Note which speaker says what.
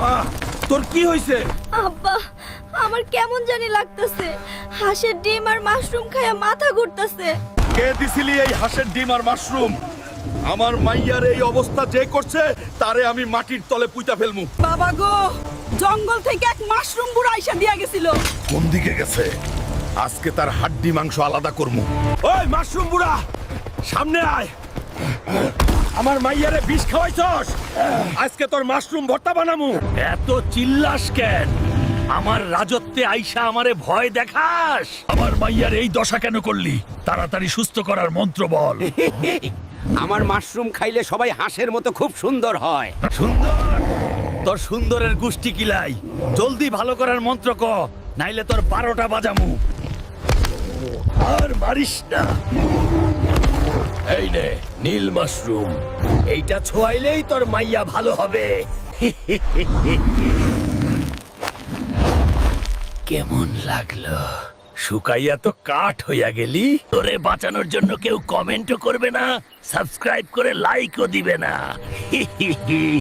Speaker 1: মা তোর কি হইছে?
Speaker 2: আব্বা, আমার কেমন জানি লাগতেছে। হাঁসের ডিম আর মাশরুম খায়া মাথা ঘুরতেছে।
Speaker 1: কে দিছিলি এই হাঁসের ডিম আর মাশরুম? আমার মাইয়ার এই অবস্থা যে করছে তারে আমি মাটির তলে পুইতা ফেলমু।
Speaker 3: বাবা গো, জঙ্গল থেকে এক মাশরুম বুড়া আইসা দিয়া গেছিল।
Speaker 1: কোন দিকে গেছে? আজকে তার হাড্ডি মাংস আলাদা করমু। ওই মাশরুম বুড়া, সামনে আয়। আমার মাইয়ারে বিষ খাওয়াইছস, আজকে তোর মাশরুম ভর্তা বানামু।
Speaker 4: এত চিল্লাস কেন? আমার রাজত্বে আইসা আমারে ভয় দেখাস? আমার মাইয়ার এই দশা কেন করলি? তাড়াতাড়ি সুস্থ করার মন্ত্র বল।
Speaker 5: আমার মাশরুম খাইলে সবাই হাঁসের মতো খুব সুন্দর হয়।
Speaker 4: সুন্দর? তোর সুন্দরের গুষ্টি কিলাই। জলদি ভালো করার মন্ত্র ক, নাইলে তোর 12টা বাজামু। আর মারিস না। এই নে নীল মাশরুম, এইটা ছোঁয়াইলেই তোর মাইয়া ভালো হবে। কেমন লাগলো? শুকাইয়া তো কাঠ হইয়া গেলি। তোরে বাঁচানোর জন্য কেউ কমেন্টও করবে না, সাবস্ক্রাইব করে লাইকও দিবে না।